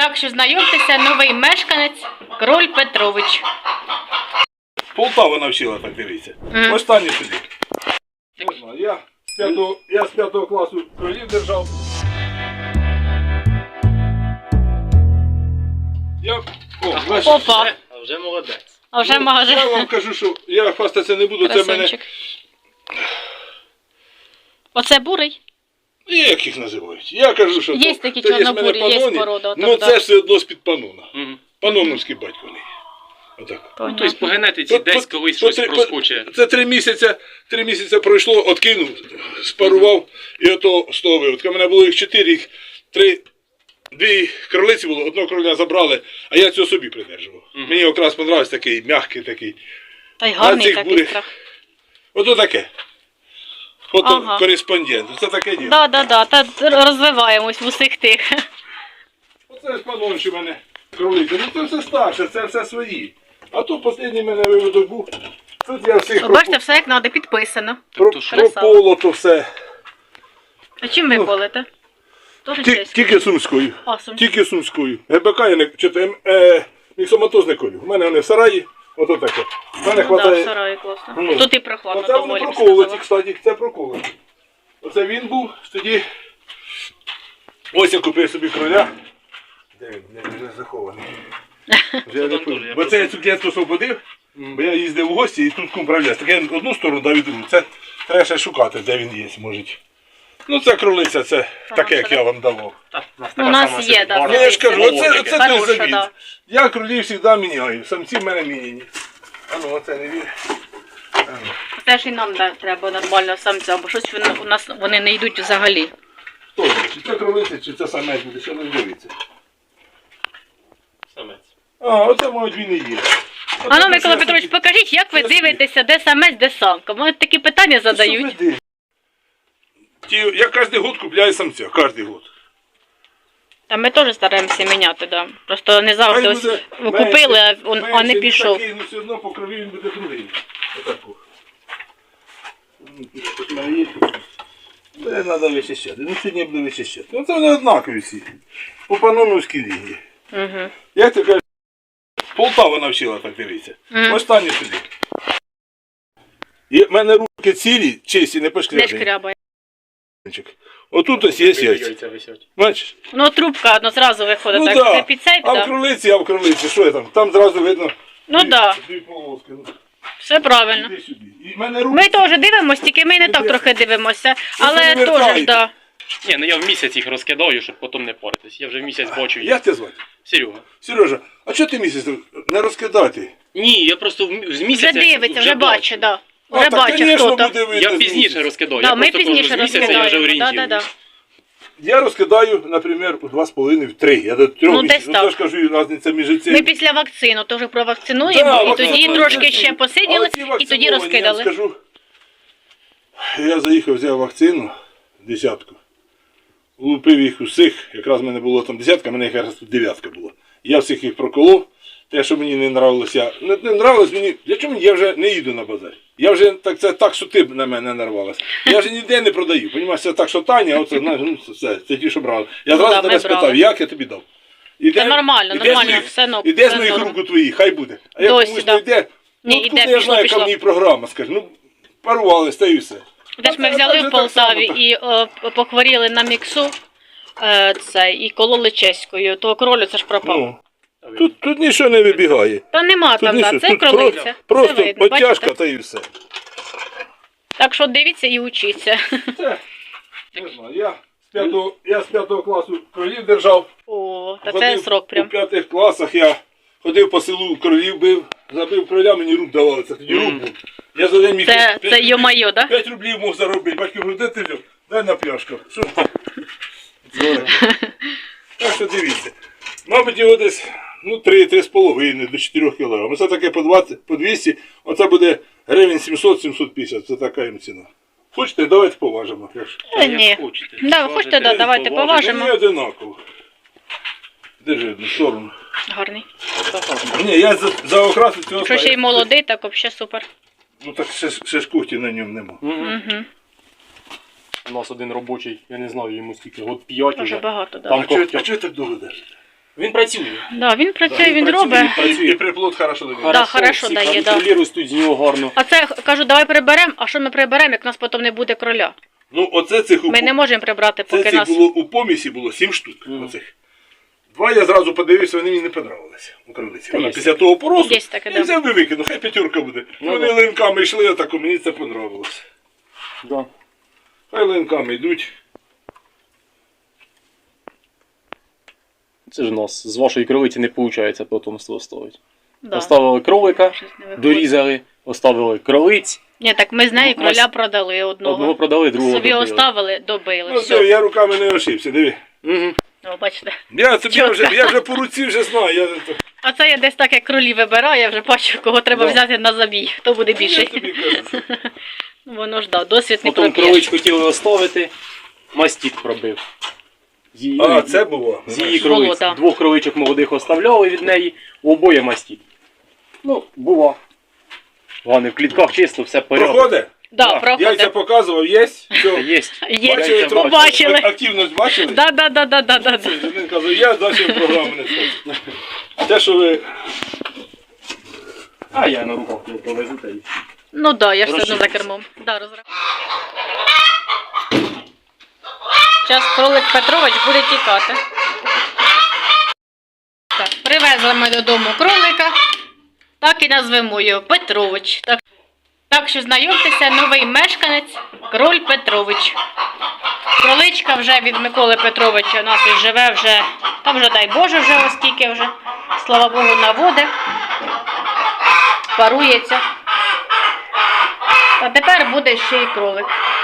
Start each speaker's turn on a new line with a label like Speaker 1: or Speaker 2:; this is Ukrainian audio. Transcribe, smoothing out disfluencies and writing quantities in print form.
Speaker 1: Так що знайомтеся, новий мешканець Кроль Петрович.
Speaker 2: Полтава навчила, так дивіться. Останній сюди. Я з 5 класу кролів держав.
Speaker 1: Опа.
Speaker 3: А вже молодець.
Speaker 1: А вже магазин.
Speaker 2: Я вам кажу, що я хвастатися не буду, це мене...
Speaker 1: Красунчик. Оце бурий?
Speaker 2: Як їх називають? Я кажу, що
Speaker 1: Є
Speaker 2: то-
Speaker 1: такі
Speaker 2: то
Speaker 1: чорнобурі,
Speaker 2: в мене
Speaker 1: є
Speaker 2: паноні,
Speaker 1: порода, отак,
Speaker 2: ну
Speaker 1: да.
Speaker 2: це все одно з-під панона. Паноновський батько не є. Отак.
Speaker 3: Тобто по генетиці десь колись щось проскоче.
Speaker 2: Це 3 місяці пройшло, откинув, спарував, і ото з того виводка. У мене було їх 4, їх 2 кролиці було, одного кроля забрали, а я цього собі придержував. Мені якраз подобався такий, м'який такий.
Speaker 1: Та й гарний
Speaker 2: цих
Speaker 1: такий
Speaker 2: бурих.
Speaker 1: страх.
Speaker 2: Ото таке.
Speaker 1: Ага.
Speaker 2: Кореспондент, це таке діло.
Speaker 1: Да, та розвиваємось в усіх тих.
Speaker 2: Оце ж панонші в мене кролиці. Ну це все старше, це все свої. А то останній мене виводок був. Тут я всіх
Speaker 1: Бачите, все як треба, підписано.
Speaker 2: прополото все.
Speaker 1: А чим ви колите? Тоже чеською?
Speaker 2: Тільки сумською.
Speaker 1: А, сумською.
Speaker 2: Тільки сумською. ГБК я не читаю, міксоматоз не колю. У мене вони в сараї, ото таке. У мене
Speaker 1: Ну,
Speaker 2: хватає.
Speaker 1: да, в сараї класно.
Speaker 2: Ну,
Speaker 1: Тут і прохладно
Speaker 2: Оце вони
Speaker 1: доволі, б
Speaker 2: проколоті,
Speaker 1: сказала.
Speaker 2: кстати, це проколоті. Оце він був, тоді. Ось я купив собі кроля. Де він? Вже захований. Вже я не пам'ятаю. Бо це я цукерку освободив, бо я їздив у гості і тут кум правляс. Так я одну сторону дав і другу. Це треба ще шукати, де він є, може. Ну це кролиця, це таке, як я вам давав.
Speaker 1: У нас є, так.
Speaker 2: Ну, я ж кажу, оце той
Speaker 1: Хороша,
Speaker 2: завід.
Speaker 1: да.
Speaker 2: Я кролів завжди міняю, самці в мене міняні. А ну, оце не вір.
Speaker 1: Це ж і нам треба нормально самця, бо щось у нас вони не йдуть взагалі.
Speaker 2: Хто це? Чи це кролиця, чи це самець буде, що не дивиться.
Speaker 3: Самець.
Speaker 2: А, оце, мабуть, він і є.
Speaker 1: А ну, Микола Петрович, покажіть, як ви дивитеся, де самець, де самка. Мене такі питання задають.
Speaker 2: Я кожен год купляю самця, кожен год.
Speaker 1: Та ми теж стараємося міняти, да. Просто не завжди ось купили, а не пішов.
Speaker 2: Такий, ну все одно по крові він буде другий. Отаку. Тут в мене є. Це треба вичищати. Ну сьогодні я буду вичищати. Ну це вони однакові всі. По паноновській лінії.
Speaker 1: Угу.
Speaker 2: Як ти кажеш, Полтава навчила, так дивіться. Останній сюди. В мене руки цілі, чисті, не
Speaker 1: Не
Speaker 2: пошкрябані.
Speaker 1: шкрябає.
Speaker 2: Отут ось є яйця.
Speaker 3: Яйця висять.
Speaker 2: Бачиш?
Speaker 1: Ну, трубка одно зразу виходить,
Speaker 2: Ну
Speaker 1: так,
Speaker 2: да.
Speaker 1: це під цей,
Speaker 2: А в
Speaker 1: так.
Speaker 2: кролиці, що я там? Там зразу видно.
Speaker 1: Ну так,
Speaker 2: Дві полоски. Ну,
Speaker 1: все правильно.
Speaker 2: іди сюди. І в мене руки.
Speaker 1: Ми теж дивимося, тільки ми не так трохи дивимося. Але
Speaker 2: не
Speaker 1: теж,
Speaker 2: вертаєте.
Speaker 1: так.
Speaker 3: Ні, ну я в місяць їх розкидаю, щоб потім не паритись. Я вже в місяць бачу їх.
Speaker 2: Як тебе звати?
Speaker 3: Серега.
Speaker 2: Сережа, а чого ти місяць не розкидати?
Speaker 3: Ні, я просто з
Speaker 1: Вже
Speaker 3: місяця
Speaker 1: дивиться, вже бачить, так.
Speaker 2: А,
Speaker 1: Вже
Speaker 2: так,
Speaker 1: бачить
Speaker 2: конечно,
Speaker 1: хто-то.
Speaker 2: буде видно
Speaker 3: Я
Speaker 2: з
Speaker 3: пізніше
Speaker 2: місяця.
Speaker 3: розкидаю.
Speaker 1: Да,
Speaker 3: Я
Speaker 1: ми
Speaker 3: просто
Speaker 1: пізніше
Speaker 3: кажу, з місяця я вже
Speaker 1: розкидаємо. Да.
Speaker 3: орієнтуюсь.
Speaker 2: Я розкидаю, наприклад, у 2,5, в 3. Я до 3
Speaker 1: Ну,
Speaker 2: місяців.
Speaker 1: десь так.
Speaker 2: Я ж кажу, різниця між
Speaker 1: Ми
Speaker 2: цим.
Speaker 1: після вакцину теж провакцинуємо, і тоді трошки ще посиділи, і тоді
Speaker 2: Я
Speaker 1: розкидали.
Speaker 2: скажу, я заїхав, взяв вакцину, 10. Лупив їх усіх, якраз в мене було там 10, в мене якраз тут 9 була. Я всіх їх проколов. Те, що мені не нравилося, не нравилось мені, для чого я вже не їду на базар. Я вже так, що ти на мене нарвалась. Я вже ніде не продаю. Понімаєш, це так, що Таня, оце, знаєш, ну, це ті, що брали. Я зразу
Speaker 1: да,
Speaker 2: тебе
Speaker 1: ми
Speaker 2: спитав,
Speaker 1: брали.
Speaker 2: як я тобі дав?
Speaker 1: Це нормально, все норм.
Speaker 2: Іде з
Speaker 1: все
Speaker 2: моїх
Speaker 1: норм.
Speaker 2: рук у твої, хай буде. А як
Speaker 1: Досі,
Speaker 2: комусь
Speaker 1: да.
Speaker 2: не йде,
Speaker 1: Ні,
Speaker 2: ну
Speaker 1: іде,
Speaker 2: тут я
Speaker 1: пішло,
Speaker 2: знаю, яка
Speaker 1: пішло.
Speaker 2: в ній програма, скажи, ну парувались, та і все.
Speaker 1: Де ж ми взяли в Полтаві і похворіли на міксу, і кололи чеською, то кролю це ж пропав.
Speaker 2: Ну, тут нічого не вибігає.
Speaker 1: Та нема там,
Speaker 2: нічого,
Speaker 1: да, це
Speaker 2: тут
Speaker 1: кролиця.
Speaker 2: Просто
Speaker 1: Це видно,
Speaker 2: потяжка,
Speaker 1: бачите?
Speaker 2: та і все.
Speaker 1: Так що дивіться і учіться.
Speaker 2: Це, не знаю, я з 5 класу кролів держав.
Speaker 1: О, та це
Speaker 2: Ходив
Speaker 1: срок прям.
Speaker 2: У 5 класах я ходив по селу, кролів бив, забив кроля, мені рук давали, це тоді рук був. Я за день міг
Speaker 1: Це йо-майо, да?
Speaker 2: 5 рублів мог заробити. Батько говорить, де ти взяв? Дай на пляшку. Що ти? Так що дивіться. Мабуть, його десь 3-3,5 до 4 кг. Оце таке по 20, по 200, оце буде гривень 700-750, це така їм ціна. Хочете, давайте поважимо.
Speaker 1: Ні. Да, ви хочете, да, давайте поважимо.
Speaker 2: Мені одинаково. Держи одну сторону.
Speaker 1: Гарний.
Speaker 2: Ні, я за окрасу цього
Speaker 1: Якщо ще й молодий, так взагалі супер.
Speaker 2: Ну так ще ж кухті на ньому нема.
Speaker 1: Угу.
Speaker 3: У нас один робочий, я не знаю, йому скільки, год 5
Speaker 1: Дуже
Speaker 3: уже.
Speaker 1: багато, да.
Speaker 3: Там
Speaker 2: А чого
Speaker 3: когтя.
Speaker 2: так довго держите?
Speaker 3: Він працює.
Speaker 1: Да, він працює, він
Speaker 3: працює,
Speaker 1: робить.
Speaker 3: працює.
Speaker 2: І приплод хорошо дає.
Speaker 1: Да, хорошо
Speaker 3: всі
Speaker 1: дає, да.
Speaker 3: кролі ростуть з нього гарно.
Speaker 1: А це, кажу, давай приберемо, а що ми приберемо, як в нас потім не буде кроля?
Speaker 2: Ну, оце цих
Speaker 1: Ми не можемо прибрати,
Speaker 2: це
Speaker 1: поки
Speaker 2: цих
Speaker 1: нас...
Speaker 2: було у помісі було 7 штук.
Speaker 3: Мгм.
Speaker 2: Оцих. 2 я зразу подивився, вони мені не понравилися у кролиці.
Speaker 3: Та
Speaker 2: Вона
Speaker 3: є
Speaker 2: після того поросу,
Speaker 1: Є таке,
Speaker 2: я
Speaker 1: да.
Speaker 2: взяв і викинув, хай 5 буде.
Speaker 3: Ну,
Speaker 2: Вони
Speaker 3: да.
Speaker 2: линками йшли, а так мені це понравилось.
Speaker 3: Да.
Speaker 2: Хай линками йдуть.
Speaker 3: Це ж у нас з вашої кролиці не виходить потомство оставити.
Speaker 1: Да.
Speaker 3: Оставили кролика,
Speaker 1: Щось не виходить.
Speaker 3: дорізали, оставили кролиць,
Speaker 1: Ні, так ми з нею
Speaker 3: Ну, ось
Speaker 1: кроля продали одного.
Speaker 3: одного продали, другого
Speaker 1: Собі
Speaker 3: добили.
Speaker 1: оставили, добили.
Speaker 2: Ну
Speaker 1: все.
Speaker 2: все, я руками не ошибся, диви.
Speaker 3: Мгм.
Speaker 1: О, бачите.
Speaker 2: Я вже по руці вже знаю.
Speaker 1: А це я десь так, як кролі вибираю, я вже бачу, кого треба
Speaker 3: Да.
Speaker 1: взяти на забій. Хто буде
Speaker 2: Я
Speaker 1: більший.
Speaker 2: тобі кажу.
Speaker 1: Воно ж да, досвід не
Speaker 3: Потім
Speaker 1: проп'єш.
Speaker 3: кролич хотіли оставити, мастік пробив. З її,
Speaker 2: А, це було.
Speaker 3: з її
Speaker 1: Було,
Speaker 3: кролиць.
Speaker 1: да.
Speaker 3: 2 кроличок молодих оставляли від неї, у обоє мастік. Ну, бува. Ладно, в клітках чисто, все порядок.
Speaker 2: Проходить?
Speaker 1: Да,
Speaker 3: Да.
Speaker 1: проходить.
Speaker 2: Яйця показував, є? Все.
Speaker 3: Є.
Speaker 1: Є,
Speaker 3: Яйця
Speaker 1: побачили.
Speaker 2: Активність бачили?
Speaker 1: Да.
Speaker 2: Він каже, я далі програму не скажу. Те, що ви...
Speaker 3: А я на руках не повезу та й.
Speaker 1: Ну да, я ж все одно за
Speaker 3: Розширюється.
Speaker 1: кермом. Да, Зараз кролик Петрович буде тікати. Так, привезли ми додому кролика. Так і назвемо його Петрович. Так що знайомтеся, новий мешканець Кроль Петрович. Кроличка вже від Миколи Петровича у нас і живе вже, там вже дай Боже вже оскільки вже, слава Богу, наводи. Парується. А тепер буде ще й кролик.